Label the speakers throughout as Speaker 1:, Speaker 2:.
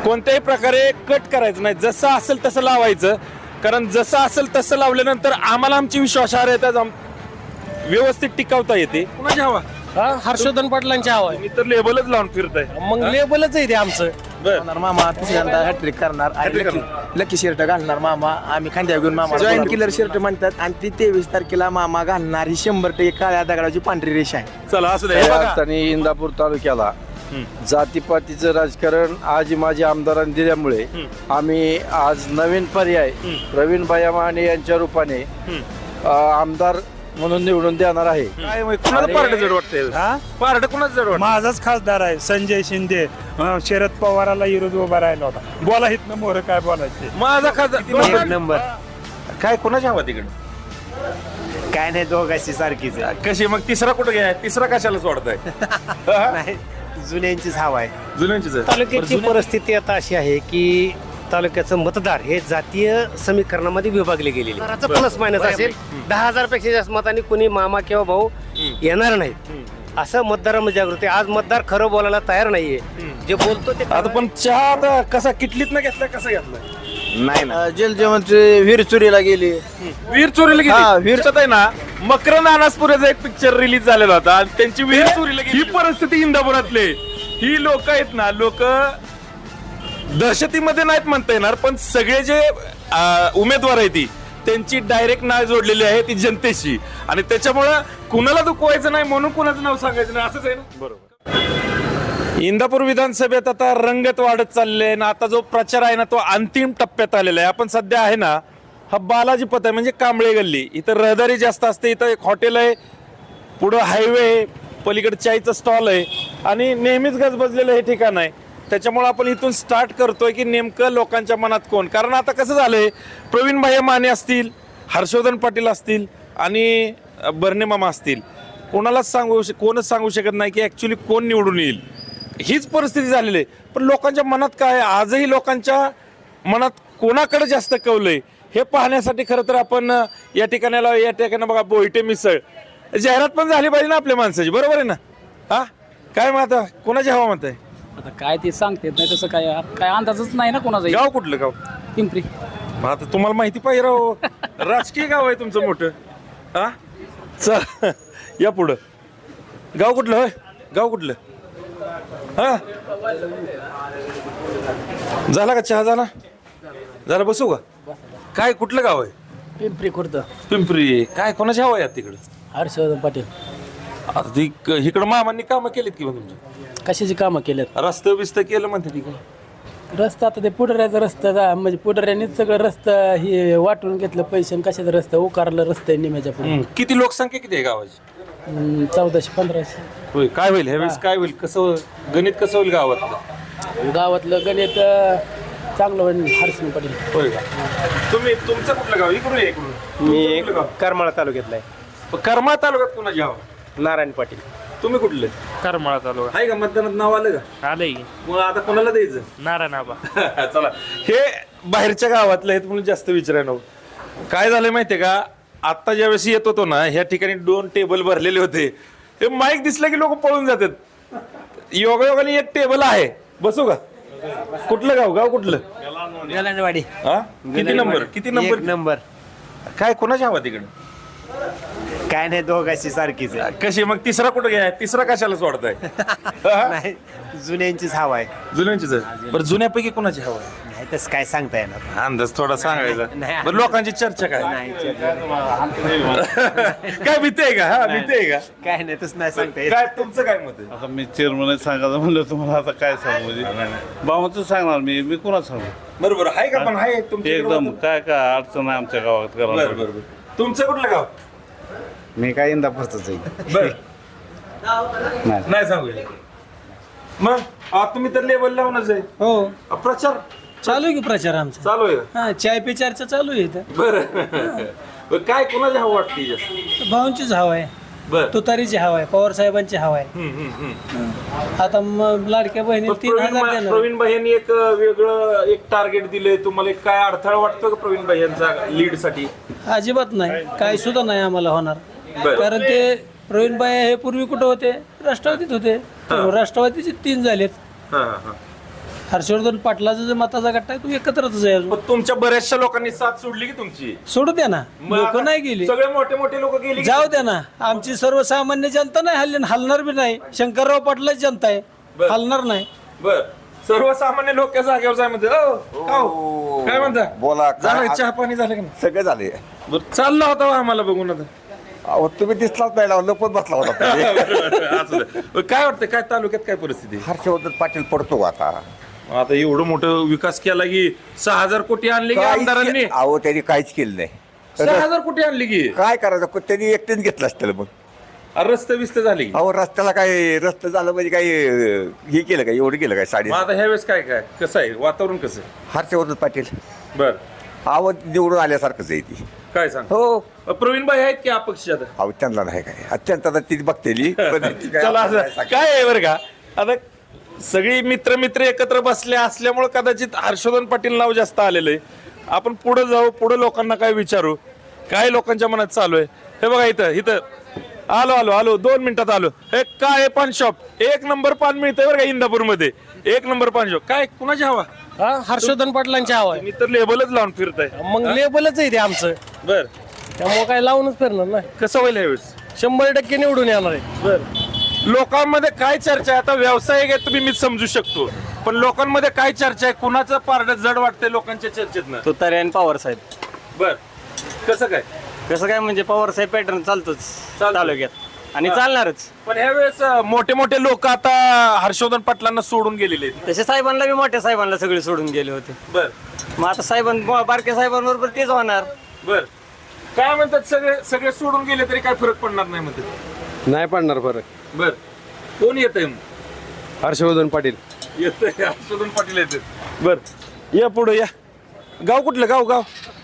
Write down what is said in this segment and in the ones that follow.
Speaker 1: कोणत्याही प्रकारे कट करायचं नाही, जसं असेल तसं लावायचं. कारण जसं असेल तसं लावल्यानंतर आम्हाला आमची विश्वासार्हता व्यवस्थित टिकवता येते. कुणाची हवा?
Speaker 2: हर्षवर्धन पाटलांची हवा आहे.
Speaker 1: मी तर लेबलच लावून फिरताय.
Speaker 2: मग लेबलच आहे ते आमचं.
Speaker 3: मामा तिसऱ्यांदा हॅट्रिक करणार लकी शर्ट घालणार मामा. आम्ही खांद्या घेऊन मामा जॉईन किलर शर्ट म्हणतात आणि ती 23 तारखेला मामा घालणार. ही 100% काळ्या दगडाची पांढरी रेषा आहे.
Speaker 1: चला असं दे.
Speaker 4: आणि इंदापूर तालुक्याला जातीपातीचं राजकारण आज माझी आमदारांनी दिल्यामुळे आम्ही आज नवीन पर्याय प्रवीण भाई माने यांच्या रूपाने आमदार म्हणून निवडून देणार आहे.
Speaker 1: काय कुणाचं पार्ट जड वाटतंय? पार्ट कुणाचं जड वाटतं?
Speaker 5: माझाच खासदार आहे संजय शिंदे. शरद पवाराला विरोध उभा राहिला होता. बोला इथनं मोर काय बोलायचे.
Speaker 1: माझा खासदार
Speaker 3: नंबर
Speaker 1: काय कोणाची हवा तिकडे?
Speaker 3: काय नाही दोघांची सारखीच
Speaker 1: कशी मग तिसरा कुठं घ्या? तिसरा कशाला सोडताय?
Speaker 3: नाही जुन्यांचीच हवा आहे.
Speaker 1: जुन्यांचीच आहे.
Speaker 2: तालुक्याची परिस्थिती आता अशी आहे की तालुक्याचं मतदार हे जातीय समीकरणामध्ये विभागले गेलेले. प्लस मायनस असेल 10,000 पेक्षा जास्त मतांनी कोणी मामा किंवा भाऊ येणार नाहीत असं मतदारामध्ये जागृती. आज मतदार खरं बोलायला तयार नाहीये. जे बोलतो ते
Speaker 1: आता पण चहा आता कसा किटलीत ना घेतला कसा घेतला?
Speaker 3: नाही ना जलजीवनची विहीर चोरीला गेली.
Speaker 1: वीर चोरीला गेली. वीरच्यात आहे ना मकरंद अनासपुरेचा एक पिक्चर रिलीज झालेला होता आणि त्यांची वीर चोरीला गेली. ही परिस्थिती इंदापुरातले ही लोक आहेत ना, लोक दहशतीमध्ये नाहीत म्हणता येणार, पण सगळे जे उमेदवार आहेत ती त्यांची डायरेक्ट नाळ जोडलेली आहे ती जनतेशी. आणि त्याच्यामुळं कुणाला दुखवायचं नाही म्हणून कुणाचं नाव सांगायचं नाही असंच आहे ना. बरोबर. इंदापूर विधानसभेत आता रंगत वाढत चालले ना. आता जो प्रचार आहे ना तो अंतिम टप्प्यात आलेला आहे. आपण सध्या आहे ना हा बालाजी पथ आहे म्हणजे कांबळे गल्ली. इथं रहदारी जास्त असते. इथं एक हॉटेल आहे, पुढं हायवे, पलीकडे चायचं स्टॉल आहे आणि नेहमीच गजबजलेलं हे ठिकाण आहे. त्याच्यामुळे आपण इथून स्टार्ट करतोय की नेमकं लोकांच्या मनात कोण. कारण आता कसं झालंय, प्रवीण भाई माने असतील, हर्षवर्धन पाटील असतील आणि बर्णे मामा असतील, कोणच सांगू शकत नाही की ऍक्च्युली कोण निवडून येईल. हीच परिस्थिती झालेली आहे. पण लोकांच्या मनात काय, आजही लोकांच्या मनात कोणाकडे जास्त कौलंय हे पाहण्यासाठी खरं तर आपण या ठिकाणी बघा बोईटे मिसळ जाहिरात पण झाली पाहिजे ना आपल्या माणसाची. बरोबर आहे ना? हा काय मग आता कोणाची हवा मत आहे?
Speaker 6: आता काय ते सांगते नाही तसं काय अंदाजच नाही ना कोणाचा.
Speaker 1: गाव कुठलं? गाव
Speaker 6: पिंपरी.
Speaker 1: मग आता तुम्हाला माहिती पाहिजे राव, राजकीय गाव आहे तुमचं मोठं. हा चल या पुढं. गाव कुठलं? होय गाव कुठलं? हा झाला का चहा? झाला बसू का? काय कुठलं गाव आहे?
Speaker 6: पिंपरी खुर्द.
Speaker 1: पिंपरी. काय कोणाची हवा आहे तिकडं?
Speaker 6: हर्षवर्धन पाटील.
Speaker 1: आता ती इकडं मामांनी कामं केलीत किंवा तुमच्या?
Speaker 6: कशाची कामं केल्यात?
Speaker 1: रस्तं बिस्त केलं म्हणते ती काय?
Speaker 6: रस्ता आता ते पुढऱ्याचा रस्ता म्हणजे पुढऱ्यानेच सगळं रस्ता हे वाटून घेतलं पैसे. कशाचा रस्ता उकारलं रस्ता आहे निम्याच्या पुढे.
Speaker 1: किती लोकसंख्या किती आहे गावाची?
Speaker 6: 1400-1500.
Speaker 1: होय. काय होईल ह्यावेळेस? काय होईल? कसं गणित कसं होईल गावातलं?
Speaker 6: गावातलं गणित चांगलं होईल. हर्षवर्धन पाटील.
Speaker 1: होय का? तुमचं कुठलं गाव? इकडून आहे इकडून.
Speaker 3: मी करमाळा तालुक्यातला आहे.
Speaker 1: करमाळा तालुक्यात कोणाची हवा?
Speaker 3: नारायण पाटील.
Speaker 1: तुम्ही कुठले?
Speaker 5: करमाळा तालुका
Speaker 1: आहे का मतदानात नाव आलं का?
Speaker 5: आलंय
Speaker 1: मग आता कोणाला द्यायचं?
Speaker 5: नारायण आबा.
Speaker 1: चला हे बाहेरच्या गावातले आहेत म्हणून जास्त विचारायला नको. काय झालंय माहितीये का, आता ज्यावेळेस येत होतो ना ह्या ठिकाणी 2 टेबल भरलेले होते. हे माईक दिसलं की लोक पळून जातात. योगायोगाने एक टेबल आहे. बसू का? कुठलं गाव? गाव कुठलं?
Speaker 3: गलांडवाडी.
Speaker 1: हा किती नंबर? किती नंबर?
Speaker 3: नंबर.
Speaker 1: काय कोणाची हवा तिकडे?
Speaker 3: काय नाही दोघांची सारखीच
Speaker 1: कशी मग तिसरा कुठं घ्या? तिसरा कशाला सोडताय?
Speaker 3: नाही जुन्यांचीच हवा आहे.
Speaker 1: जुन्यांचीच आहे. बरं जुन्यापैकी कोणाची हवा आहे?
Speaker 3: नाही तसं काय सांगता येणार.
Speaker 1: अंदाज थोडा सांगायचा.
Speaker 3: नाही.
Speaker 1: बरं लोकांची चर्चा काय?
Speaker 3: नाही
Speaker 1: काय भीती आहे का? हा भीती आहे का?
Speaker 3: काय नाही तसं नाही सांगता येत.
Speaker 1: काय तुमचं काय मत आहे?
Speaker 4: आता मी चेअरमन सांगायचं म्हणलं तुम्हाला आता काय सांगू म्हणजे बाबाचं सांगणार मी कुणा सांगू
Speaker 1: बरोबर आहे का? पण आहे तुमचं
Speaker 4: एकदम काय काय अडचण आहे आमच्या गावात
Speaker 1: बरं
Speaker 4: करायला.
Speaker 1: बरं. तुमचं कुठलं गाव?
Speaker 3: मी काय इंदापूरच आहे.
Speaker 1: बर नाही सांगू. मग तुम्ही तर लेवल लावूनच आहे.
Speaker 2: हो
Speaker 1: प्रचार
Speaker 2: चालू आहे की प्रचार आमचा.
Speaker 1: चालू आहे.
Speaker 2: हा चाय पे चर्चा चालू आहे इथं.
Speaker 1: बरं काय कोणाची हवा वाटते जास्त?
Speaker 2: भाऊंचीच हवा आहे.
Speaker 1: बर
Speaker 2: तुतारीची हवा आहे. पवार साहेबांची हवा आहे. आता मग लाडक्या बहिणी 3,000 देणार.
Speaker 1: प्रवीण भाई यांनी एक वेगळं एक टार्गेट दिलंय तुम्हाला. काय अडथळा वाटतो का प्रवीण भाई यांचा लीड साठी?
Speaker 2: अजिबात नाही. काही सुद्धा नाही आम्हाला होणार.
Speaker 1: बरं.
Speaker 2: कारण ते प्रवीणबाई हे पूर्वी कुठं होते? राष्ट्रवादीत होते. राष्ट्रवादीचे 3 झालेत.
Speaker 1: हा हा.
Speaker 6: हर्षवर्धन पाटलाचा जो मताचा गट्टा आहे तो एकत्रच आहे अजून.
Speaker 1: पण तुमच्या बऱ्याचशा लोकांनी साथ सोडली की तुमची
Speaker 6: सोडू द्या ना, लोक नाही गेली,
Speaker 1: सगळे मोठे मोठे लोक गेली की?
Speaker 6: जाऊ द्या ना. आमची सर्वसामान्य जनता नाही हल्ली, हलणार बी नाही. शंकरराव पाटलाच जनता आहे,
Speaker 1: बरं.
Speaker 6: हलणार नाही.
Speaker 1: बर सर्वसामान्य लोक जागेवर जाय म्हणते काय म्हणता
Speaker 7: बोला
Speaker 1: झालं चहा पाणी झालं का नाही?
Speaker 7: सगळे झाले
Speaker 1: बरं चालला होता बा आम्हाला बघून आता.
Speaker 7: अहो तुम्ही दिसलाच नाही लावलं लपत बसला होता
Speaker 1: असं नाही. काय वाटतं काय तालुक्यात काय परिस्थिती आहे?
Speaker 7: हर्षवर्धन पाटील पडतो आता
Speaker 1: आता एवढं मोठं विकास केला की 6,000 कोटी आणले की आमदारांनी
Speaker 7: अहो त्यांनी काहीच केलं नाही
Speaker 1: 6,000 कोटी आणली की
Speaker 7: काय करायचं त्यांनी एकटेच घेतलं असतं मग
Speaker 1: रस्ते बिस्ते झाले की?
Speaker 7: अहो रस्त्याला काय रस्ता झालं म्हणजे काय हे केलं काय एवढं केलं काय साडी
Speaker 1: मग आता ह्या वेळेस काय काय कसं आहे वातावरण कसं आहे?
Speaker 7: हर्षवर्धन पाटील
Speaker 1: बर
Speaker 7: अहो निवडून आल्यासारखंच आहे ती
Speaker 1: काय सांग
Speaker 7: हो
Speaker 1: प्रवीण भाई आहेत की अपक्ष आता?
Speaker 7: अहो त्यांना नाही काय अत्यंत आता ती बघतेली पण ती काय
Speaker 1: चला
Speaker 7: आपल्याला
Speaker 1: असं काय आहे बरं का आता सगळी मित्र एकत्र बसले असल्यामुळे कदाचित हर्षवर्धन पाटील नाव जास्त आलेलं आहे. आपण पुढे जाऊ, पुढे लोकांना काय विचारू, काय लोकांच्या मनात चालू आहे. हे बघा इथं आलो 2 मिनिटात आलो. हे काय आहे पान शॉप, 1 नंबर पान मिळतंय बरं का इंदापूरमध्ये, 1 नंबर पान शॉप. काय कुणाची हवा?
Speaker 6: हर्षवर्धन पाटलांची हवा आहे.
Speaker 1: मी तर लेबलच लावून फिरताय.
Speaker 6: मग लेबलच आहे ते आमचं,
Speaker 1: बर
Speaker 6: त्यामुळे काय लावूनच फिरणार नाही.
Speaker 1: कसं होईल यावेळेस?
Speaker 6: 100% निवडून येणार आहे.
Speaker 1: बर लोकांमध्ये काय चर्चा आहे? आता व्यावसायिक आहे तुम्ही, मी समजू शकतो, पण लोकांमध्ये काय चर्चा आहे? कुणाचं पारडं जड वाटतंय लोकांच्या चर्चेतनं?
Speaker 2: तुतारे आणि पवार साहेब.
Speaker 1: बर कसं काय?
Speaker 2: कसं काय म्हणजे पवार साहेब पॅटर्न चालतोच तालुक्यात आणि चालणारच.
Speaker 1: पण ह्यावेळेस मोठे मोठे लोक आता हर्षवर्धन पाटलांना सोडून गेलेले आहेत.
Speaker 2: तसे साहेबांना बी मोठ्या साहेबांना सगळे सोडून गेले होते.
Speaker 1: बर
Speaker 2: मग आता साहेबांना बारक्या साहेबांबरोबर तेच होणार.
Speaker 1: बर काय म्हणतात सगळे सोडून गेले तरी काय फरक पडणार नाही म्हणतात?
Speaker 8: नाही पडणार फरक.
Speaker 1: बर कोण येत आहे?
Speaker 8: हर्षवर्धन पाटील
Speaker 1: येतंय हर्षवर्धन पाटील येते. बर या पुढे या. गाव कुठलं? गाव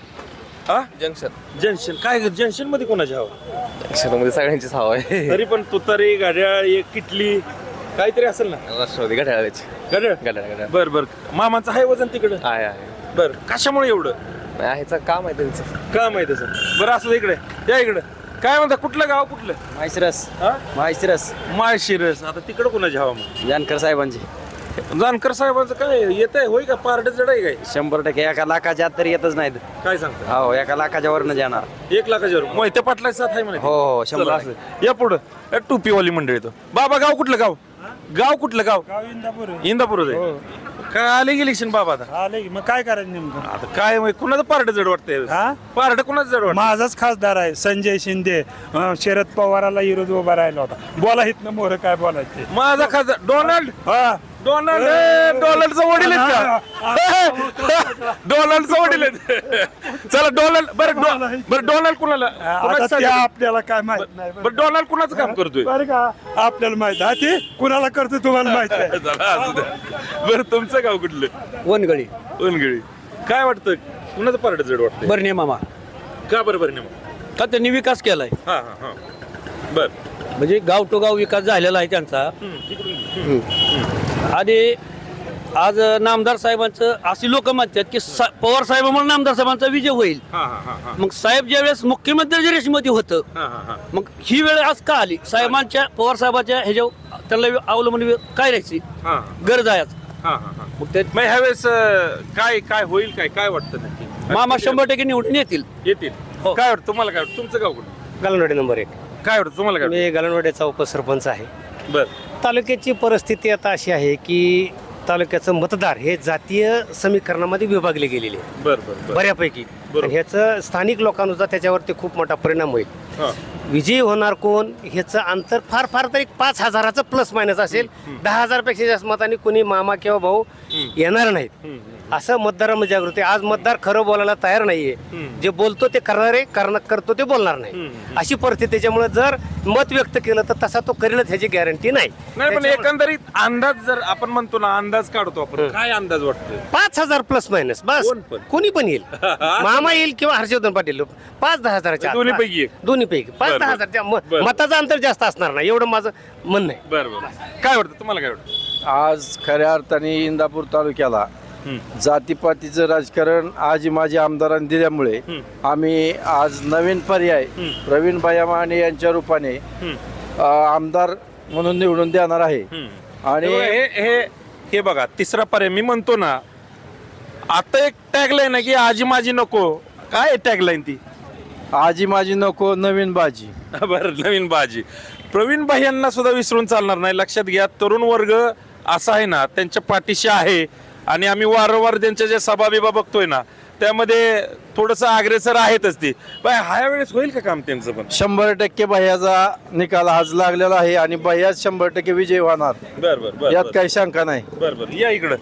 Speaker 1: हा जंक्शन काय जंक्शन मध्ये कोणाची हवा?
Speaker 9: मध्ये सगळ्यांचीच हवा आहे.
Speaker 1: तरी पण तुतारी घड्याळ एक किटली काहीतरी असेल ना?
Speaker 9: राष्ट्रवादी घड्याळाची.
Speaker 1: घड्याळ बर मामाचं आहे वजन तिकडं?
Speaker 9: आहे
Speaker 1: बर कशामुळे एवढं
Speaker 9: नाही ह्याचं काम आहे त्यांचं.
Speaker 1: काम आहे तसं? बरं असं इकडे या इकडे. काय म्हणता कुठलं गाव कुठलं?
Speaker 2: माहिशिरस.
Speaker 1: हा
Speaker 2: माहिशिरस
Speaker 1: माळशिरस. आता तिकडं कोणाची हवा मग?
Speaker 2: जानकर साहेबांची.
Speaker 1: जानकर साहेबांचं काय येत आहे? होय का पारड जड आहे काय?
Speaker 2: 100% 1 लाखाच्या आत तरी येतच नाहीत.
Speaker 1: काय सांगता?
Speaker 2: हो 1 लाखाच्या वरनं जाणार.
Speaker 1: 1 लाखाच्या वर मोहिते पाटलाची साथ आहे म्हणे.
Speaker 2: हो 100
Speaker 1: चला, असं. या पुढं टोपीवाली मंडळी तो. बाबा गाव कुठलं? गाव कुठलं? गाव
Speaker 5: इंदापूर
Speaker 1: इंदापूर आहे. काय आले की इलेक्शन बाबा आता?
Speaker 5: आले की मग काय करायचं नेमकं?
Speaker 1: आता काय माहित, कुणाचं पारड जड वाटतंय?
Speaker 5: हा?
Speaker 1: पारड कुणाचं जड वाटतं?
Speaker 5: माझाच खासदार आहे संजय शिंदे. शरद पवाराला विरोध उभा राहिला होता. बोला इथनं मोर काय बोलायचे.
Speaker 1: माझा खासदार डोनाल्ड डोनाल्डचं वडील आहेत का? डोनाल्डचं वडील आहेत. चला डोनाल्ड बरं डोनाल्ड कुणाला
Speaker 5: आता ते आपल्याला काय माहित नाही.
Speaker 1: बरं डोनाल्ड कुणाचं काम करतोय?
Speaker 5: बरं का आपल्याला माहित आहे ते कुणाला करतो तुम्हाला माहित आहे.
Speaker 1: चला, असू द्या. बरं तुमचं गाव कुठलं?
Speaker 6: वनगळी
Speaker 1: उनगळी. काय वाटतं कुणाचं पारड जड वाटतंय?
Speaker 6: बरणे मामा
Speaker 1: का बरं नाही?
Speaker 6: का त्यांनी विकास केलाय,
Speaker 1: हा बर
Speaker 6: म्हणजे गाव टू गाव विकास झालेला आहे त्यांचा. आणि आज नामदार साहेबांचं अशी लोक म्हणतात की पवार साहेबांमुळे नामदार साहेबांचा विजय होईल. मग साहेब ज्यावेळेस मुख्यमंत्री रेषेमध्ये होतं, मग ही वेळ आज का आली? साहेबांच्या पवार साहेबांच्या ह्याच्या त्यांना अवलंबून काय राहायची गरज आहे आज. मग ते
Speaker 1: मग ह्यावेळेस काय होईल? काय वाटतं नक्की?
Speaker 6: मामा 100% निवडून येतील. हो.
Speaker 1: काय वाटतं तुम्हाला? काय वाटतं तुमचं गाव कुठं?
Speaker 2: गलनवाडी नंबर 1.
Speaker 1: काय वाटतं तुम्हाला? काय
Speaker 2: मी गलनवाडीचा उपसरपंच आहे.
Speaker 1: बर
Speaker 2: तालुक्याची परिस्थिती आता अशी आहे की तालुक्याचं मतदार हे जातीय समीकरणामध्ये विभागले गेलेले आहे
Speaker 1: बर
Speaker 2: बऱ्यापैकी. आणि ह्याचं स्थानिक लोकांनुसार त्याच्यावरती खूप मोठा परिणाम होईल. विजयी होणार कोण ह्याचं अंतर फार तरी 5,000चं प्लस मायनस असेल. 10,000 पेक्षा जास्त मतांनी कोणी मामा किंवा भाऊ येणार नाहीत असं मतदारामध्ये जागृती. आज मतदार खरं बोलायला तयार नाहीये. जे बोलतो ते करणारे करतो ते बोलणार नाही अशी परिस्थिती. त्याच्यामुळे जर मत व्यक्त केलं तर तसा तो करेलच ह्याची गॅरंटी नाही.
Speaker 1: पण एकंदरीत अंदाज जर आपण म्हणतो ना, अंदाज काढतो आपण, काय अंदाज वाटतोय?
Speaker 2: 5,000 प्लस मायनस बस.
Speaker 1: कोण पण?
Speaker 2: कोणी पण येईल. मामा येईल किंवा हर्षवर्धन पाटील. 5-10,000च्या आत.
Speaker 1: दोन्हीपैकी एक.
Speaker 2: दोन्हीपैकी 5-10,000 मताचं अंतर जास्त असणार नाही एवढं माझं म्हणणं आहे.
Speaker 1: बरं काय वाटतं तुम्हाला? काय वाटतं?
Speaker 4: आज खऱ्या अर्थाने इंदापूर तालुक्याला जातीपातीचं राजकारण आजी माझी आमदारांनी दिल्यामुळे आम्ही आज नवीन पर्याय प्रवीण माने यांच्या रूपाने आमदार म्हणून निवडून देणार आहे. आणि
Speaker 1: हे बघा तिसरा पर्याय मी म्हणतो ना, आता एक टॅगलाईन आहे की आजी माझी नको, काय टॅगलाईन ती?
Speaker 4: आजी माझी नको नवीन बाजी.
Speaker 1: बरं, नवीन बाजी. प्रवीण भाई यांना सुद्धा विसरून चालणार नाही. लक्षात घ्या, तरुण वर्ग असा आहे ना, त्यांच्या पाठीशी आहे आणि आम्ही वारंवार त्यांच्या ज्या सभा बिभा बघतोय ना, त्यामध्ये थोडस अग्रेसर आहेतच ती. बाय ह्या वेळेस होईल का काम त्यांचं पण?
Speaker 4: 100% भैयाचा निकाल आज लागलेला आहे आणि भैयाच 100% विजय होणार.
Speaker 1: बर
Speaker 4: यात काही शंका नाही.
Speaker 1: बर या इकडं.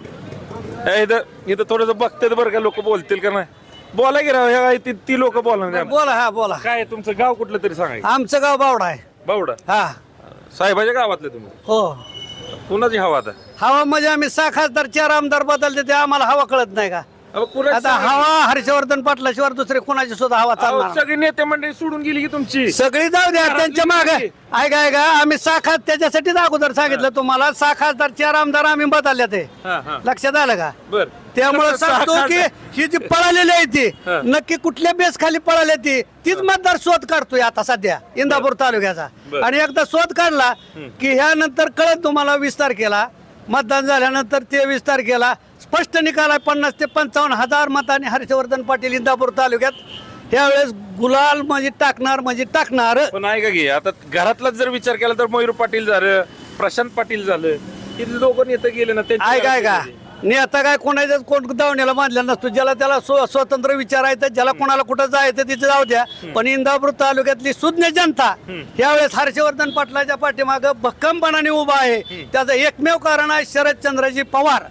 Speaker 1: इथं थोडस बघतात बरं का, लोक बोलतील का नाही? बोला की राव, ती लोक बोला.
Speaker 2: बोला, हा बोला.
Speaker 1: काय तुमचं गाव कुठलं तरी सांगा.
Speaker 2: आमचं गाव बावडा आहे.
Speaker 1: बावडा.
Speaker 2: हा
Speaker 1: साहेबाच्या गावातले तुम्ही?
Speaker 2: हो.
Speaker 1: कुणाची हवा आता?
Speaker 2: हवा म्हणजे आम्ही 6 खासदार 4 आमदार बदलते ते आम्हाला हवा कळत नाही का?
Speaker 1: अहो, कुणाची
Speaker 2: आता
Speaker 1: सांगा?
Speaker 2: हवा हर्षवर्धन पाटलाशिवाय दुसरे कोणाची सुद्धा हवा
Speaker 1: अहो,
Speaker 2: चालणार नाही.
Speaker 1: सगळी नेते मंडळी सोडून गेली की तुमची.
Speaker 2: सगळी जाऊ द्या त्यांच्या मागे. ऐका आम्ही 6 खास त्याच्यासाठीच अगोदर सांगितलं तुम्हाला. 6 खासदार 4 आमदार आम्ही बदलले ते. लक्षात आलं का?
Speaker 1: बर.
Speaker 2: त्यामुळे सांगतो की ही जी पळालेली आहे ती
Speaker 1: हा.
Speaker 2: नक्की कुठल्या बेस खाली पळाली ती तीच मतदार शोध काढतोय आता सध्या इंदापूर तालुक्याचा.
Speaker 1: बर.
Speaker 2: आणि एकदा शोध काढला की ह्यानंतर कळत तुम्हाला 20 तारखेला मतदान झाल्यानंतर 23 तारखेला स्पष्ट निकाल आहे. 50 ते 55 हजार मतांनी हर्षवर्धन पाटील इंदापूर तालुक्यात यावेळेस गुलाल म्हणजे टाकणार.
Speaker 1: पण ऐका की, आता घरातलाच जर विचार केला तर मयूर पाटील झालं, प्रशांत पाटील झालं, हे दोघं नेते गेले ना.
Speaker 2: ऐका नेता काय कोणाच्याच कोण दावण्याला बांधलेला नसतो. ज्याला त्याला स्वतंत्र विचारायचं, ज्याला कोणाला कुठं जायचं तिथे जाऊ द्या. पण इंदापूर तालुक्यातली सुज्ञ जनता यावेळेस हर्षवर्धन पाटलाच्या पाठीमागं भक्कमपणाने उभा आहे. त्याचं एकमेव कारण आहे शरदचंद्रजी पवार.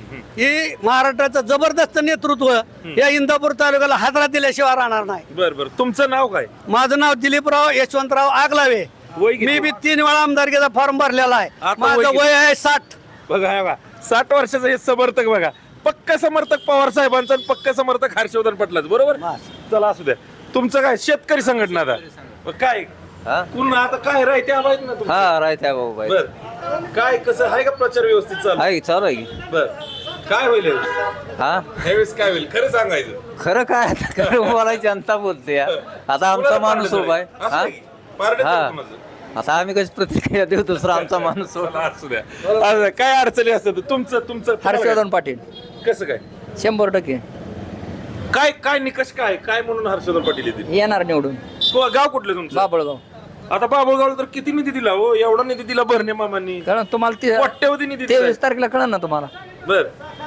Speaker 2: ही महाराष्ट्राचं जबरदस्त नेतृत्व या इंदापूर तालुक्याला हादरा दिल्याशिवाय राहणार नाही.
Speaker 1: बर. तुमचं नाव काय?
Speaker 2: माझं नाव दिलीपराव यशवंतराव आगलावे.
Speaker 1: वय किती?
Speaker 2: मी बी 3 वेळा आमदारकीचा फॉर्म भरलेला आहे.
Speaker 1: आता
Speaker 2: माझं
Speaker 1: वय किती?
Speaker 2: वय आहे 60.
Speaker 1: बघा 60 वर्षाचं हे समर्थक बघा. पक्का समर्थक पवार साहेबांचा, पक्का समर्थक हर्षवर्धन पाटलाच. बरोबर. चला असू द्या. तुमचं काय शेतकरी संघटना आता मग काय पुन्हा आता काय राहते आवाज ना तुमचं?
Speaker 9: हा राहत्या भाऊ बाई.
Speaker 1: बर. काय कसं आहे का प्रचार व्यवस्थित चालू?
Speaker 9: आहे चालू आहे की.
Speaker 1: बर. काय होईल यावेळेस?
Speaker 9: हा
Speaker 1: यावेळेस काय होईल खरं सांगायचं?
Speaker 9: खरं काय आता खरं बोलायची जनता बोलते या. आता आमचा माणूस उभा आहे.
Speaker 1: असं
Speaker 9: हा
Speaker 1: नाही. पारडे
Speaker 9: हा.
Speaker 1: तर कोणाचं?
Speaker 9: आता आम्ही कशी प्रतिक्रिया देऊ दुसरा आमचा माणूस उभा.
Speaker 1: चला, असू द्या. असं काय अडचणी असतात तुमचं
Speaker 9: हर्षवर्धन पाटील
Speaker 1: कसं काय
Speaker 9: 100%
Speaker 1: काय काय निकष काय म्हणून हर्षवर्धन पाटील येतील?
Speaker 9: येणार निवडून.
Speaker 1: गाव कुठलं तुमचं?
Speaker 9: बाबळगाव.
Speaker 1: आता बाबुळगावला तर किती निधी दिला हो? एवढा निधी दिला भरणे मामांनी.
Speaker 9: कारण तुम्हाला
Speaker 1: कोट्यवधी निधी दिलाय.
Speaker 9: 23 तारखेला कळलं ना तुम्हाला
Speaker 1: बर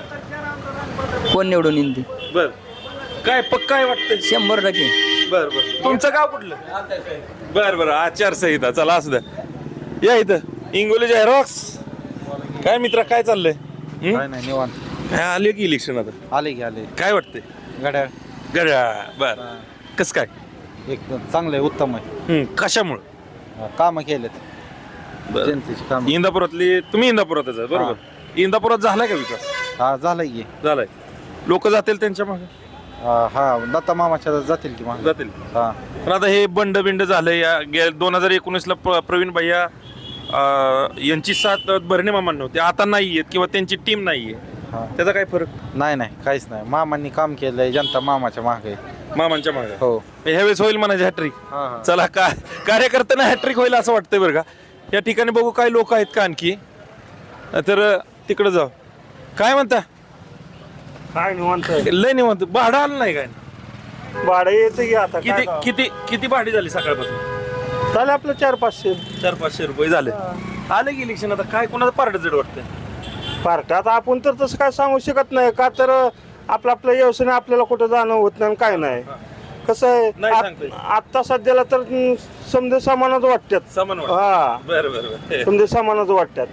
Speaker 9: कोण निवडून येईल ते.
Speaker 1: बर. काय पक्का आहे वाटतंय?
Speaker 9: 100%.
Speaker 1: बर. तुमचं गाव कुठलं? बर आचारसंहिता. चला असू द्या. या इथं इंगोली झेरॉक्स. काय मित्रा काय चाललंय?
Speaker 4: काय नाही निवांत.
Speaker 1: काय आले की इलेक्शन आता?
Speaker 4: आले
Speaker 1: काय वाटतंय?
Speaker 4: घड्याळ
Speaker 1: बर. कस काय?
Speaker 4: एकदम चांगलं आहे, उत्तम आहे.
Speaker 1: कशामुळे?
Speaker 4: कामं केलेत
Speaker 1: बरं.
Speaker 4: जनतेची काम.
Speaker 1: इंदापुरातली तुम्ही इंदापुरातच आहे बरोबर. इंदापुरात झालाय का विकास?
Speaker 4: हा झालंय की.
Speaker 1: झालाय. लोक जातील त्यांच्या मागे?
Speaker 4: हा दत्ता मामाच्या जातील की मग.
Speaker 1: जातील.
Speaker 4: हा
Speaker 1: पण आता हे बंड झालंय. 2019 ला प्रवीण भैया यांची साथ भरणे मामांना होती, आता नाहीये किंवा त्यांची टीम नाहीये.
Speaker 4: हा.
Speaker 1: त्याचा काय फरक?
Speaker 4: नाही काहीच नाही. मामांनी काम केलंय, जनता मामाच्या मागे आहे.
Speaker 1: मामांच्या मागे.
Speaker 4: हो.
Speaker 1: ह्यावेळेस होईल म्हणायचे हॅट्रिक.
Speaker 4: हा.
Speaker 1: चला कार्यकर्त्यांना हॅट्रिक होईल असं वाटतंय बरं का. या ठिकाणी बघू काय लोक आहेत का आणखी, तर तिकडे जाऊ. काय म्हणता?
Speaker 5: काय निवांत
Speaker 1: लय निवांत. भाडं आलं नाही काय?
Speaker 5: भाडं येतं की आता
Speaker 1: किती किती किती भाडी झाली सकाळपासून?
Speaker 5: चालेल आपलं 400-500.
Speaker 1: 400-500 रुपये झाले. आले की इलेक्शन आता काय कोणाचं पारड जड वाटतंय?
Speaker 5: पार्ट्यात आपण तर तसं काय सांगू शकत नाही का, तर आपलं व्यवसाय आपल्याला कुठं जाणं होत नाही आणि काय नाही. कसं
Speaker 1: नाही
Speaker 5: आहे
Speaker 1: सांगता येत.
Speaker 5: आता सध्याला तर समजे सामानच वाटतात.
Speaker 1: सामान
Speaker 5: हा
Speaker 1: बरं
Speaker 5: समजे सामानच वाटतात.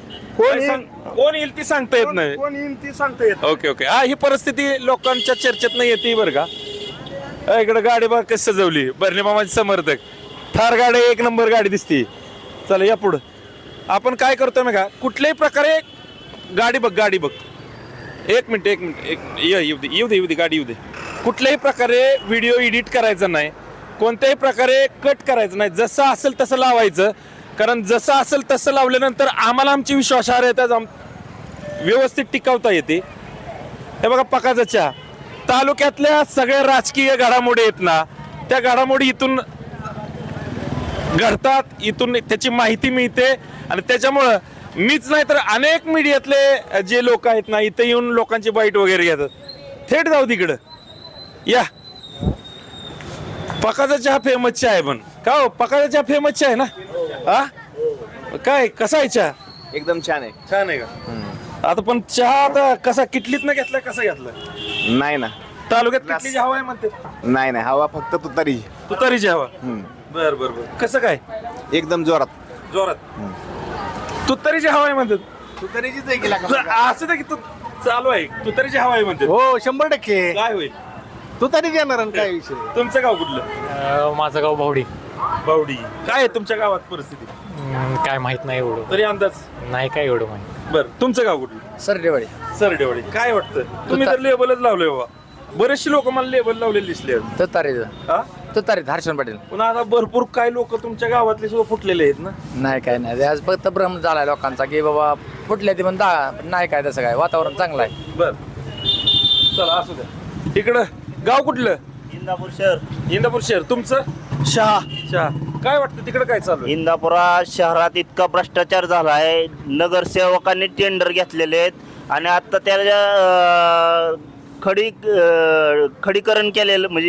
Speaker 1: कोण येईल ती सांगता येत नाही.
Speaker 5: कोण येईल ती सांगता येत.
Speaker 1: ओके. ही परिस्थिती लोकांच्या चर्चेत नाही येते बरं का. इकडे गाडी बघ कशी सजवली. भरणे मामाचे समर्थक. थार गाडी 1 नंबर गाडी दिसती. चला या पुढं. आपण काय करतोय ना का, कुठल्याही प्रकारे गाडी बघ. एक मिनिट येऊ दे गाडी येऊ दे. कुठल्याही प्रकारे व्हिडिओ एडिट करायचा नाही, कोणत्याही प्रकारे कट करायचं नाही. जसं असेल तसं लावायचं. कारण जसं असेल तसं लावल्यानंतर आम्हाला आमची विश्वासार्हता व्यवस्थित टिकवता येते. हे बघा पकाचा तालुक्यातल्या सगळ्या राजकीय घडामोडी आहेत ना, त्या घडामोडी इथून घडतात, इथून त्याची माहिती मिळते आणि त्याच्यामुळं मीच नाही तर अनेक मीडियातले जे लोक आहेत ना इथे येऊन लोकांची बाईट वगैरे घेतात. थेट जाऊ तिकडं या. पकाचा चहा फेमस चहा आहे पण का हो पकाचा चहा फेमस चहा आहे ना हा काय कसा आहे चहा?
Speaker 3: एकदम छान आहे.
Speaker 1: छान आहे का? आता पण चहा आता कसा किटलीत न घेतलाय कसा घेतलाय?
Speaker 3: नाही ना,
Speaker 1: तालुक्यात किटलीची हवा आहे म्हणते.
Speaker 3: नाही हवा फक्त तुतारी.
Speaker 1: तुतारीची हवा. बर बर बर. कसं काय?
Speaker 3: एकदम जोरात.
Speaker 1: जोरात तुतारीची हवा आहे म्हणतात.
Speaker 3: तुतारीचीच आहे गेला
Speaker 1: असं नाही की तू चालू आहे तुतारीची हवा आहे म्हणते.
Speaker 2: हो 100%
Speaker 1: काय होईल?
Speaker 2: तुतारी येणार आणि काय विषय.
Speaker 1: तुमचं गाव कुठलं?
Speaker 10: माझं गाव भावडी.
Speaker 1: बावडी. काय आहे तुमच्या गावात परिस्थिती?
Speaker 10: काय माहित नाही एवढं.
Speaker 1: तरी अंदाज
Speaker 10: नाही काय एवढं माहित.
Speaker 1: बर. तुमचं गाव कुठलं?
Speaker 2: सरडेवाडी.
Speaker 1: सरडेवाडी. काय वाटतं तुम्ही तर लेबलच लावलंय बाबा. बरेचसे लोक मला लेबल लावलेले दिसले.
Speaker 2: तुतारी हर्षण पाटील.
Speaker 1: पण आता भरपूर काय लोक तुमच्या गावातले सुद्धा फुटलेले आहेत ना.
Speaker 2: नाही काय नाही, आज फक्त भ्रम झालाय लोकांचा की बाबा फुटले ते पण नाही काय तसं काय, वातावरण चांगलं आहे.
Speaker 1: बर चला असू द्या. इकडं गाव कुठलं?
Speaker 5: इंदापूर शहर.
Speaker 1: इंदापूर शहर. तुमचं?
Speaker 5: शहा.
Speaker 1: शहा. काय वाटतं तिकडं काय चालू आहे?
Speaker 5: इंदापुरा शहरात इतका भ्रष्टाचार झाला आहे. नगरसेवकांनी टेंडर घेतलेले आहेत आणि आता त्याच्या खडीकरण केलेलं म्हणजे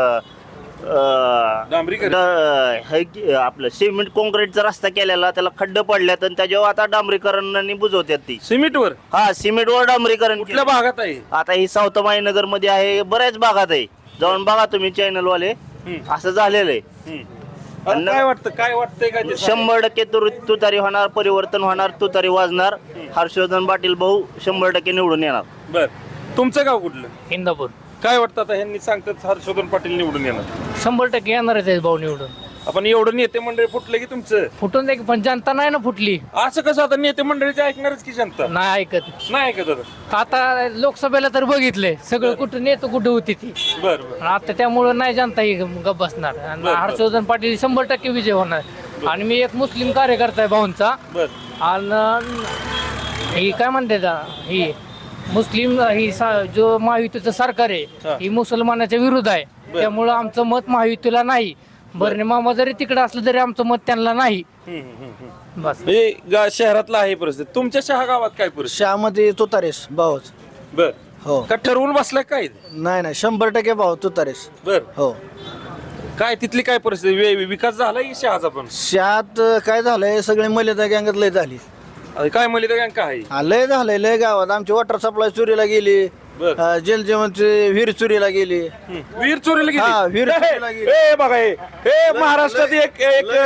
Speaker 1: डांबरीकरण?
Speaker 5: आपलं सिमेंट कॉन्क्रीटचा रस्ता केलेला, त्याला खड्डे पडल्यात आणि त्याच्यावर आता डांबरीकरणाने बुजवतात ती.
Speaker 1: सिमेंटवर?
Speaker 5: हा, सिमेंटवर डांबरीकरण.
Speaker 1: कुठल्या भागात आहे?
Speaker 5: आता ही साऊथ नगर मध्ये आहे, बऱ्याच भागात आहे. जाऊन बघा तुम्ही चॅनल वाले. असं झालेलं आहे.
Speaker 1: काय वाटतं काय वाटतंय काय ते सांगा.
Speaker 5: 100% तुतारी होणार, परिवर्तन होणार, तुतारी वाजणार. हर्षवर्धन पाटील भाऊ 100% निवडून येणार.
Speaker 1: बर. तुमचं गाव कुठलं?
Speaker 10: इंदापूर.
Speaker 1: काय वाटतं आता ह्यांनी सांगतात हर्षवर्धन पाटील निवडून येणार?
Speaker 10: 100% येणारच आहे भाऊ निवडून.
Speaker 1: आपण एवढं नेते मंडळी फुटलं की तुमचं?
Speaker 10: फुटून दे की, पण जनता नाही ना फुटली.
Speaker 1: असं कसं? आता नेते मंडळीचे ऐकणारच की जनता.
Speaker 10: नाही ऐकत.
Speaker 1: नाही ऐकत आता.
Speaker 10: आता लोकसभेला तर बघितलंय सगळं, कुठं नेतो कुठं होती ती.
Speaker 1: बर बर.
Speaker 10: आता त्यामुळं नाही जनता ही गप बसणार. आणि
Speaker 1: बरं.
Speaker 10: हर्षवर्धन पाटील 100% विजय होणार. आणि मी एक मुस्लिम कार्यकर्ता आहे भाऊंचा.
Speaker 1: बर.
Speaker 10: आणि ही काय म्हणते ही मुस्लिम ही जो महायुतीचं सरकार आहे ही मुसलमानाच्या विरुद्ध आहे. त्यामुळं आमचं मत महायुतीला नाही. बरणे मामा जरी तिकडे असलं तरी आमचं मत त्यांना नाही. बस.
Speaker 1: शहरातला आहे परिस्थिती. तुमच्या शहा गावात काय परिस्थिती?
Speaker 2: शहामध्ये तुतारेस भाऊच.
Speaker 1: बर.
Speaker 2: हो.
Speaker 1: का ठरवून बसलाय काय?
Speaker 2: नाही 100% भाऊ तुतारेस.
Speaker 1: बर.
Speaker 2: हो.
Speaker 1: काय तिथली काय परिस्थिती? विकास झाला की शहाचा पण?
Speaker 2: शहात काय झालंय, सगळे मलिदा गँगात लय झाली.
Speaker 1: काय म्हणले तर काय?
Speaker 2: लय झालंय लय गावात. आमची वॉटर सप्लाय चोरीला गेली.
Speaker 1: बर.
Speaker 2: जलजीवनची विहीर चोरीला गेली.
Speaker 1: वीर चोरीला
Speaker 2: हा,
Speaker 1: गेली.
Speaker 2: वीर चोरीला गेली.
Speaker 1: ए बघा हे महाराष्ट्रात एक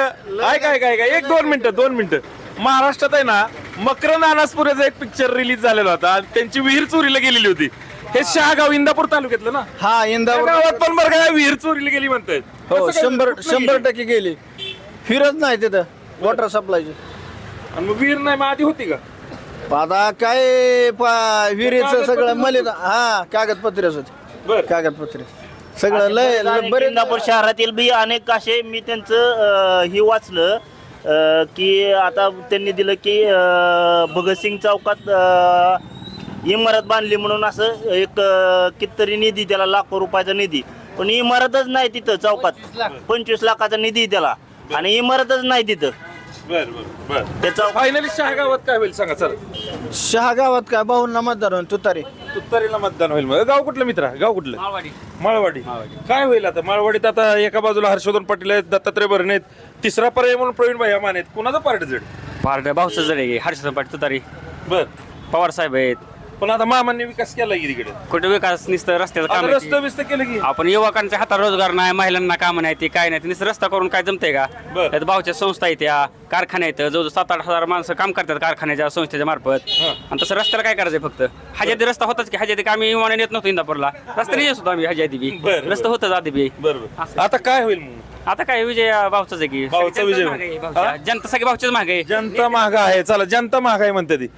Speaker 1: एक 2 मिनिटं महाराष्ट्रात आहे ना मकरंद अनासपुरेचा एक पिक्चर रिलीज झालेला होता आणि त्यांची विहीर चोरीला गेलेली होती. हे शहागाव इंदापूर तालुक्यातलं ना.
Speaker 2: हा,
Speaker 1: त्या
Speaker 2: इंदापूर
Speaker 1: गावात पण बरं काय विहीर चोरीला गेली म्हणतात.
Speaker 2: हो,
Speaker 1: कसं काय?
Speaker 2: 100% गेली. फिरत नाही तिथं वॉटर सप्लायची.
Speaker 1: आणि मग विहीर नाही मग आधी होती का?
Speaker 2: आता काय विहिरीचं सगळं मलिदा. हा, कागदपत्रेच होते.
Speaker 1: बर.
Speaker 2: कागदपत्रे सगळं लय बरे.
Speaker 5: इंदापूर शहरातील बी अनेक असे मी त्यांचं ही वाचलं की आता त्यांनी दिलं की भगतसिंग चौकात इमारत बांधली म्हणून असं एक कितीतरी निधी, त्याला लाखो रुपयाचा निधी. पण इमारतच नाही तिथं चौकात. 25 लाखाचा निधी त्याला आणि इमारतच नाही तिथं.
Speaker 1: बर बर बर.
Speaker 5: त्याचा
Speaker 1: फायनली शहागावात काय होईल सांगा चला.
Speaker 2: शहा गावात काय भाऊंना मतदार होईल तुतारी.
Speaker 1: तुतारीला मतदान होईल. मग गाव कुठलं मित्रा? गाव कुठलं? माळवाडी. काय होईल आता माळवाडीत? आता एका बाजूला हर्षवर्धन पाटील आहेत, दत्तात्रय भरणे आहेत, तिसरा पर्याय म्हणून प्रवीण भाई माने आहेत. कुणाचा पार्ट जड?
Speaker 6: पार्ट भाऊचं जड आहे. हर्षवर्धन पाटील तुतारी.
Speaker 1: बर.
Speaker 6: पवार साहेब आहेत.
Speaker 1: पण आता मामांनी विकास केला की तिकडे?
Speaker 6: कुठे विकास नुसतं रस्त्याचं काम आहे.
Speaker 1: रस्ते बिस्त केलं की?
Speaker 6: आपण युवकांच्या हातात रोजगार नाही, महिलांना काम नाही, ते काय नाही. नुसतं रस्ता करून काय जमतंय का?
Speaker 1: बरं.
Speaker 6: त्यात भाऊच्या संस्था आहेत, त्या कारखान्या आहेत, जवळजवळ 7-8 हजार माणसं काम करतात कारखान्याच्या संस्थेच्या मार्फत. आणि तसं रस्त्याला काय करायचंय? फक्त हजादी रस्ता होताच की. हजादी आम्ही विमानाने येत नव्हतो इंदापूरला, रस्त्याने येत होतो आम्ही हजादी बी.
Speaker 1: बरं.
Speaker 6: रस्ता होतच आधी बी.
Speaker 1: बरोबर. आता काय होईल मग?
Speaker 6: आता काय विजय भाऊचाच आहे की.
Speaker 1: भाऊचा विजय.
Speaker 6: जनता सगळी भाऊच्याच मागे आहे.
Speaker 1: जनता महाग आहे. चला, जनता महाग आहे म्हणते ती.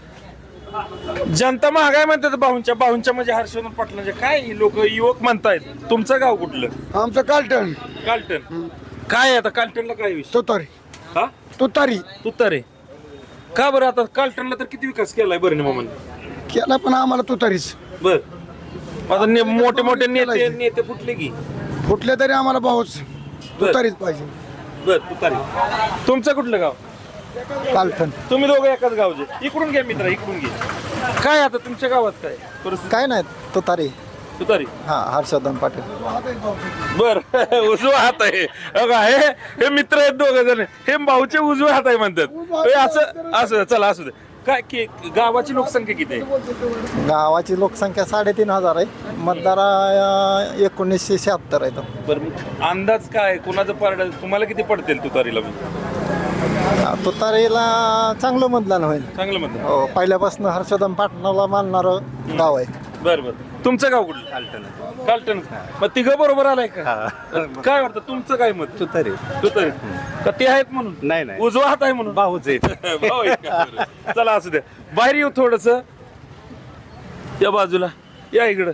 Speaker 1: जनता महाग आहे म्हणतात भाऊंच्या म्हणजे हर्षवर्धन पाटलांच्या. काय लोक युवक म्हणतायत. तुमचं गाव कुठलं?
Speaker 2: आमचं कालटण.
Speaker 1: कालटण. काय आता कालटणला काय विषय?
Speaker 2: तुतारी.
Speaker 1: हा,
Speaker 2: तुतारी
Speaker 1: तुतारे. का बरं? आता कालटणला तर किती विकास केलाय बरं मामांनी?
Speaker 2: केला, पण आम्हाला तुतारीच.
Speaker 1: बर. आता मोठे मोठे नेते फुटले की?
Speaker 2: फुटले तरी आम्हाला भाऊच तुतारीच पाहिजे.
Speaker 1: बर. तुतारी. तुमचं कुठलं गाव?
Speaker 3: कालठण
Speaker 1: तुम्ही दोघं एकाच गावचे. इकडून घ्या मित्र, इकडून घे. काय आता तुमच्या गावात काय परिस्थिती?
Speaker 3: काय नाही तुतारी
Speaker 1: तुतारी.
Speaker 3: हा हर्षवर्धन पाटील.
Speaker 1: बर उजवा हात आहे बघा, हे मित्र आहेत दोघ जण, हे भाऊचे उजवे हात आहे म्हणतात. हे असं असं चला असू दे. काय की गावाची लोकसंख्या किती आहे?
Speaker 3: गावाची लोकसंख्या 3,500 आहे. मतदार 1976 आहे.
Speaker 1: बरं अंदाज काय कुणाचं पारड तुम्हाला किती पडतील तुतारीला?
Speaker 3: तुतारीला चांगलं मतदान होईल.
Speaker 1: चांगलं म्हणतात.
Speaker 3: हो पहिल्यापासून हर्षवर्धन पाटलाला मानणारं गाव आहे.
Speaker 1: बरं बरं. तुमचं गाव कुठलं? कालटण. मग तिघं बरोबर आलाय का? काय वाटतं तुमचं काय मत? तुतारी. तुतारी का ते आहेत म्हणून?
Speaker 2: नाही
Speaker 1: उजवा हात आहे म्हणून?
Speaker 2: भाऊच आहे.
Speaker 1: भाऊ आहेत का? बरं. चला असू द्या. बाहेर येऊ थोडस, या बाजूला या, इकडं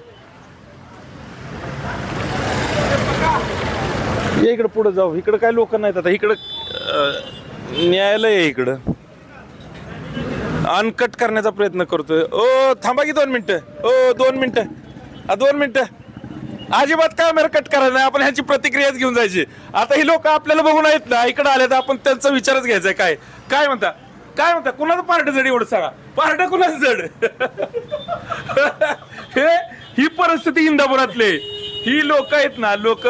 Speaker 1: या, इकडं पुढे जाऊ. इकडं काय लोक नाहीत आता. इकडं न्यायालय आहे इकडं. अनकट करण्याचा प्रयत्न करतोय. ओ थांबा की 2 मिनिटं. ओ 2 मिनिटं. 2 मिनिटं. अजिबात कॅमेरा कट करायचा नाही. आपण ह्यांची प्रतिक्रियाच घेऊन जायची. आता ही लोक आपल्याला बघून आहेत ना, इकडे आले तर आपण त्यांचा विचारच घ्यायचा. काय काय म्हणता, काय म्हणता? कुणाचं पार्ट जड एवढं सांगा. पार्ट कुणाचं जड? ही परिस्थिती इंदापुरातले. ही लोक आहेत ना, लोक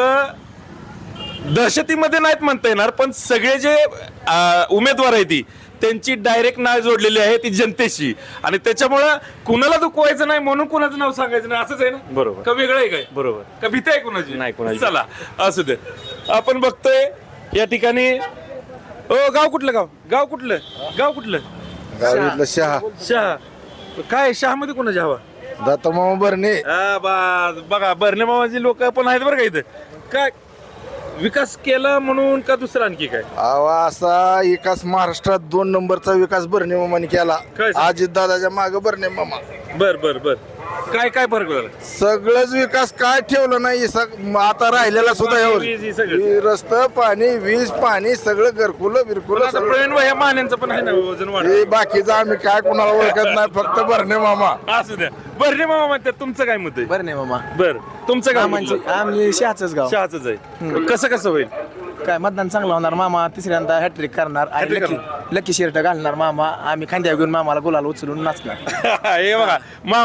Speaker 1: दहशतीमध्ये नाहीत म्हणता येणार, पण सगळे जे उमेदवार आहेत ती त्यांची डायरेक्ट नाळ जोडलेली आहे ती जनतेशी, आणि त्याच्यामुळं कुणाला दुखवायचं नाही म्हणून कुणाचं नाव सांगायचं नाही. असंच आहे ना?
Speaker 2: बरोबर.
Speaker 1: का वेगळं आहे काय?
Speaker 2: बरोबर.
Speaker 1: का भीती आहे कुणाची?
Speaker 2: नाही कुणाची.
Speaker 1: चला असू दे. आपण बघतोय या ठिकाणी. ओ गाव कुठलं? गाव कुठलं? गाव कुठलं?
Speaker 3: गावीतलं शहा
Speaker 1: शहा. काय शहामध्ये कुणाची हवा?
Speaker 3: दत्तमामा बर्णे.
Speaker 1: बघा बर्णे मामाची लोक पण आहेत बरं का इथं. काय विकास केला म्हणून का दुसरं आणखी काय?
Speaker 3: असा विकास महाराष्ट्रात 2 नंबरचा विकास बर्णे मामाने केला.
Speaker 1: काय?
Speaker 3: अजित दादाच्या मागे बर्णे मामा.
Speaker 1: बर बर बर. काय काय फरक झाला?
Speaker 3: सगळंच विकास काय ठेवलं नाही. आता राहिलेला सुद्धा
Speaker 1: वीज ही सगळं.
Speaker 3: यावर रस्ता पाणी वीज पाणी सगळं घरकुलं बिरकुलं
Speaker 1: आता प्रवीण भाई मान्यांचं पण आहे ना वजन वाढ.
Speaker 3: हे बाकीचं आम्ही काय कोणाला ओळखत नाही. फक्त बर्णे मामा.
Speaker 1: असू द्या. बर्णे मामा म्हणतात. तुमचं काय मत आहे?
Speaker 3: बर्णे मामा.
Speaker 1: बर तुमचं गाव कुठलं?
Speaker 3: आम्ही शहाच गाव.
Speaker 1: शहाचंच आहे. कसं होईल?
Speaker 3: काय मतदान चांगलं होणार. मामा तिसऱ्यांदा हॅट्रिक करणार. आणि लकी शर्ट घालणार मामा. आम्ही खांद्या घेऊन मामाला गुलाल उचलून नाचणार.
Speaker 1: हे बघा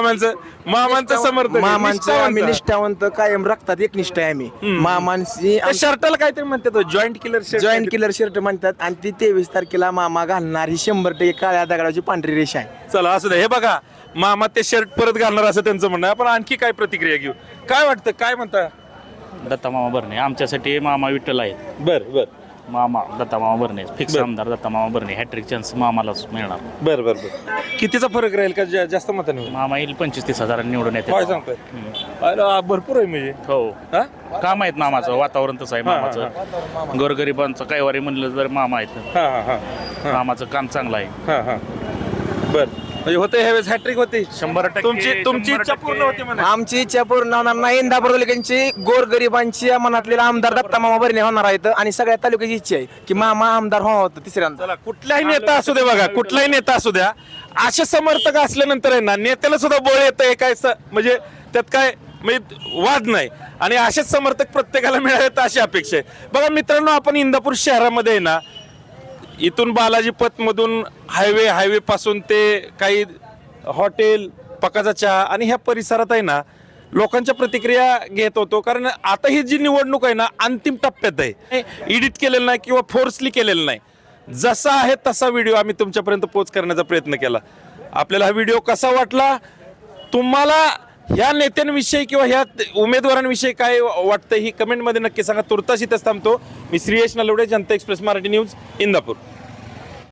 Speaker 1: मामांचं समर्थन आहे.
Speaker 3: मामांचं आम्ही
Speaker 1: निष्ठावंत.
Speaker 3: निष्ठावंत कायम रक्तात एकनिष्ठ आहे आम्ही. मामांची
Speaker 1: त्या शर्टाला काहीतरी म्हणतात joint killer shirt.
Speaker 3: Joint killer shirt म्हणतात. आणि ती 23 तारखेला मामा घालणार ही 100% काळ्या दगडाची पांढरी रेषा आहे.
Speaker 1: चला असू द्या. हे बघा मामा ते शर्ट परत घालणार असं त्यांचं म्हणणं आहे. आपण आणखी काय प्रतिक्रिया घेऊ? काय वाटतं? काय म्हणता?
Speaker 5: दत्ता मामा भरणे आमच्यासाठी मामा विठ्ठल आहेत.
Speaker 1: बर बर
Speaker 5: मामा दत्ता मामा भरणे फिक्स आमदार दत्ता मामा भरणे. हॅट्रिक चान्स मामालाच मिळणार.
Speaker 1: बर बर बर. कितीचा फरक राहील का जास्त मताने होईल?
Speaker 5: मामा येईल 25-30 हजारांनी निवडून येते.
Speaker 1: काय सांगताय? अरे भरपूर आहे म्हणजे.
Speaker 5: हो
Speaker 1: हा?
Speaker 5: काम आहेत मामाचं. वातावरण तसं आहे मामाचं. गोरगरिबांचं कैवारी म्हणलं तर मामा आहेत.
Speaker 1: हा हा हा
Speaker 5: मामाचं काम चांगलं आहे.
Speaker 1: हा हा. बर म्हणजे होते ह्यावेळेस हॅट्रिक होते.
Speaker 5: 100%
Speaker 1: तुमची इच्छा पूर्ण होते म्हणा.
Speaker 3: आमची इच्छा पूर्ण होणार नाही. इंदापूर तालुक्यांची गोरगरिबांची मनातलेला आमदार दत्ता मामा बर्णे होणार आहेत. आणि सगळ्या तालुक्याची इच्छा आहे की मामा आमदार व्हावं तिसऱ्यांदा.
Speaker 1: चला कुठलाही नेता असू दे बघा, कुठलाही नेता असू द्या, असे समर्थक असल्यानंतर आहे ना नेत्याला सुद्धा बळ येतं. काय म्हणजे त्यात काय म्हणजे वाद नाही. आणि असेच समर्थक प्रत्येकाला मिळाले अशी अपेक्षा आहे. बघा मित्रांनो, आपण इंदापूर शहरामध्ये आहे ना, इथून बालाजी पथमधून हायवे पासून ते काही हॉटेल पकाचा चहा आणि ह्या परिसरात आहे ना लोकांच्या प्रतिक्रिया घेत होतो. कारण आता ही जी निवडणूक आहे ना अंतिम टप्प्यात आहे. एडिट केलेलं नाही किंवा फोर्सली केलेलं नाही. जसा आहे तसा व्हिडिओ आम्ही तुमच्यापर्यंत पोच करण्याचा प्रयत्न केला. आपल्याला हा व्हिडिओ कसा वाटला, तुम्हाला ह्या नेत्यांविषयी किंवा ह्या उमेदवारांविषयी काय वाटतं ही कमेंटमध्ये नक्की सांगा. तुर्तास इथंच थांबतो. मी श्रीयश नलवडे, जनता एक्सप्रेस मराठी न्यूज, इंदापूर.